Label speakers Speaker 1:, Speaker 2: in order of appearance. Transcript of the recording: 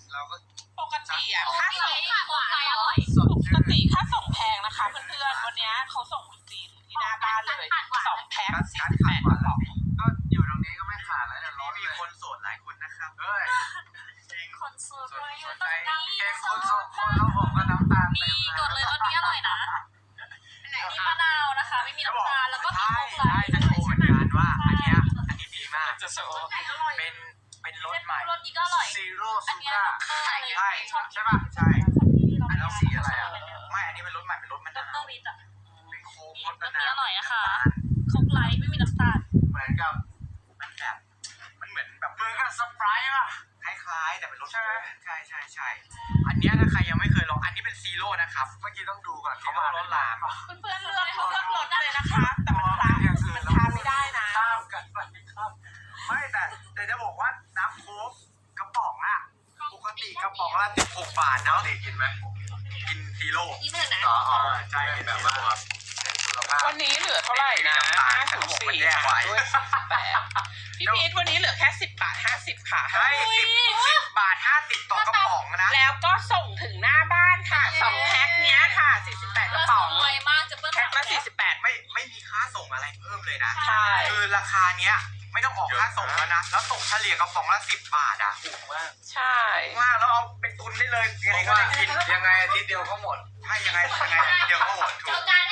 Speaker 1: เราก็
Speaker 2: ปกติอะค่าส่งปกติค่าส่งแพงนะคะเพื่อนๆวันนี้เขาส่งจริงที่หน้าบ้านเลย2 แพ็ค48 กระป๋อง
Speaker 1: ก็อยู่ตรงนี้ก็ไม่ขาดแล้วเนี่ยมีคนโสดหลายคนนะครับเฮ้ยจริง
Speaker 3: คนโสดเลย
Speaker 1: ใจเองคนโสดคนเขาบอกว่าน้ำตาล
Speaker 3: มีกดเลยรสนี้อร่อยนะมีมะนาวนะคะไม่มีน้ำตาลแล้วก็มีโค้กไลท์
Speaker 1: จะโชว์เหมือนกันว่าอันนี้ดีมาก
Speaker 2: จะโซ่
Speaker 1: เป็นรสใหม่
Speaker 3: รสนี้ก็อร่อย
Speaker 1: ซีโร่
Speaker 3: อั
Speaker 1: ซู
Speaker 3: นนี้
Speaker 1: ก้า
Speaker 3: ใช่
Speaker 1: ใช่ป่ะใช่อันนี้สีอะไรอ่ะไม่อันนี้เป็นรสใหม่เป็นรสมะ
Speaker 3: ด
Speaker 1: นาร ว
Speaker 3: วิทอะ
Speaker 1: เป็นโค้ก
Speaker 3: ร
Speaker 1: รส
Speaker 3: ส
Speaker 1: มะ
Speaker 3: นี้
Speaker 1: นาว
Speaker 3: อร่อยนะคะโค้กไลท์ไม่มีน้ำตาล
Speaker 1: เหมือนกับมันแบบมันเหมือนแบบเหมือนกับสไปร์ป่ะคล้ายๆแต่เป็นรสใช่อันนี้ถ้าใครยังไม่เคยลองอันนี้เป็นซีโร่นะครับเมื่อกี้ต้องดูก่อนเขาว่ารสลาม
Speaker 2: เพื่อนๆเลือกรสเลยนะคะแต่มันทานไม่ได้นะ
Speaker 1: ข้ามกันไปครับไม่แต่จะบอกว่าน้ำโค้กกระป๋องอะปกติกระป๋องละ16 บาทเนาะกินไหมกินซีโร่
Speaker 3: นี่ไม่เหมือนนะ
Speaker 1: อ๋อใช่แบบว่าเน้นสุขภาพ
Speaker 2: วันนี้เหลือเท่าไหร่นะ5 ถึง 4ด้วย18พี่พีทวันนี้เหลือแค่10 บาท 50 ค่ะ
Speaker 1: ใช่10 บาท 50 ต่อกระป๋องนะ
Speaker 2: แล้วก็ส่งถึงหน้าบ้านค่ะ2 แพ็คเนี้ยค่ะ48 กระป๋อง
Speaker 3: ไวมากจะเปิ้ล
Speaker 2: แพ็คละ48
Speaker 1: ไม่มีค่าส่งอะไรเพิ่มเลยนะ
Speaker 2: ใช่
Speaker 1: คือราคาเนี้ยไม่ต้องออกค่าส่งแล้วนะแล้วส่งเฉลี่ยกระป๋องละ10 บาทอ่ะถูกมาก
Speaker 2: ใช่
Speaker 1: มากแล้วเอาไปตุนได้เลยยังไงก็ได้กินยังไงอาทิตย์เดียวก็หมดถ้ายังไงเดียวก็หมดถูก
Speaker 3: เจอกัน